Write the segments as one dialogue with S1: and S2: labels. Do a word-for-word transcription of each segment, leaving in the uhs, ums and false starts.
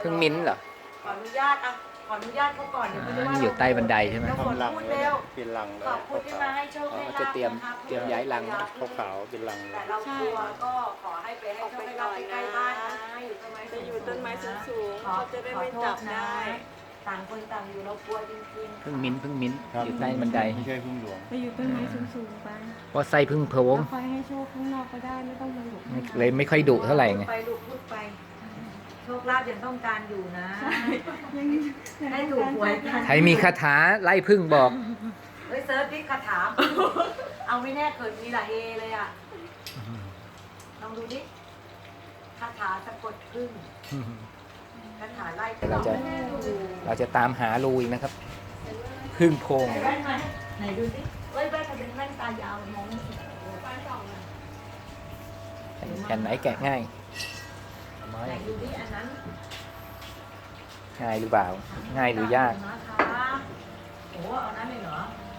S1: พึ่งมิ้นท์เหรอ
S2: ขออนุญาตอ่ะขออนุญาตเขาก่อนเดี๋ยวไม่ได้
S1: อ่า
S2: ว่า
S1: นี่อยู่ใต้บันไดใช่ไหม
S2: น้ำฝน
S3: ทำรัง
S2: พูด
S3: เลย
S2: เร็ว
S3: เป็นรังเลย
S2: ขอบคุณที่มาให้โชคให้
S1: อ๋อ
S2: ลาภ
S1: จะเตรียม
S2: นะคะ
S1: เตรียมย้ายรัง
S3: ขาวๆเป็นรังเล
S2: แต่
S3: ย
S2: เรากลัวก็ขอให้ไปให้โชคให้ลาภใกล้ๆบ้านนะอยู่ต้นไม้
S4: จะอยู่ต้นไม้สูงๆ
S2: ขอ
S4: เขาจะได้ไม่จับได้
S2: ต่างคนต่างอยู่เรากลัวจริงๆ
S1: พึ่งมิ้นท์พึ่งมิ้นท์
S3: ครับ
S1: อยู่ใต้บันได
S3: ไม่ใช่พึ่งหลวง
S4: ไปอยู่ต้นไม้สูงๆไป
S1: เพราะไส้พึ่งโพรง
S4: แล้วคอยให้โชคข้างนอกก็ได้ไม่ต้องมาหลบ
S1: เลยไม่ค่อยดุเท่าไหร่ไง
S2: ไปลูกพูดไป โชคลาภยังต้องการอยู่นะ
S4: ยัง
S2: ให้ถูกหวยกัน
S1: ใครมีคาถาไล่พึ่งบอก
S2: เฮ้ยเซิร์ชดิคาถาเอาไม่แน่เกิดมีละเฮเลยอ่ะลองดูดิคาถาสะกดพึ่งคาถาไล่
S1: เราจะ เราจะตามหารูอีกนะครับ พึ่งโพรง
S2: ไหนแว่นมาไหนดูดิเฮ้ยแว่นมันเป็นแว่นตายาวมองไม่เห็น
S1: แผ่นไหนแกะง่าย
S2: ไหนดูดิอันนั้น
S1: ง่ายหรือเปล่า ง่ายหรือยาก
S2: นะคะโอ้โหเอานั้นเลยเหรอ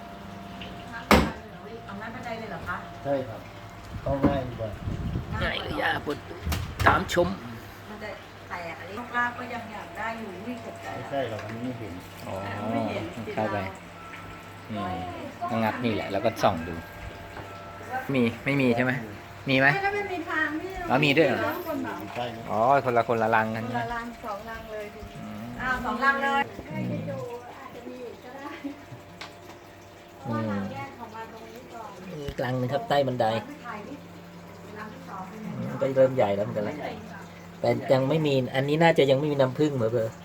S2: เอานั้นบันไดเลยเหรอคะ
S3: ใช่ครับต้องง่ายดีกว่า
S1: ง่ายหรือยากปุดตามชม
S2: มันจะแตกอันนี้โชคลาภก็ยังอยากได้อยู่ไม่ตกใจ
S3: ไม่ใช่หรอกอันนี้ไม่เห็น
S1: อ๋อเข้าไปอืมก็งัดนี่แหละ แล้วก็ส่องดู มี ไม่มีใช่ไหม มีไหม
S4: แล้วไม่มีทางที่
S1: อ๋อมีด้วยเหรอ
S4: คนเหรอ
S3: ใช่ไหม
S1: อ๋อ คนละคนละรังกัน
S4: คน
S1: ใช่ไหม
S4: ละรังสองรังเลยทีนี้
S1: อืม
S2: อ้าวสองลังเลย
S4: ใครจะดูอาจจะมีอีกก็ได้เพราะ
S1: อื
S4: ว่าม รังแยกของมาตรงนี้ก่อน
S1: มีกลางหนึงครับใต้บันได
S2: ลังที่ถ่ายดิลังที่สองเป็นไง
S1: อืมก็เริ่มใหญ่แล้วเหมือนกันแล้วแต่ยังไม่มี อันนี้น่าจะยังไม่มีน้ำผึ้งเหมือนเบอร์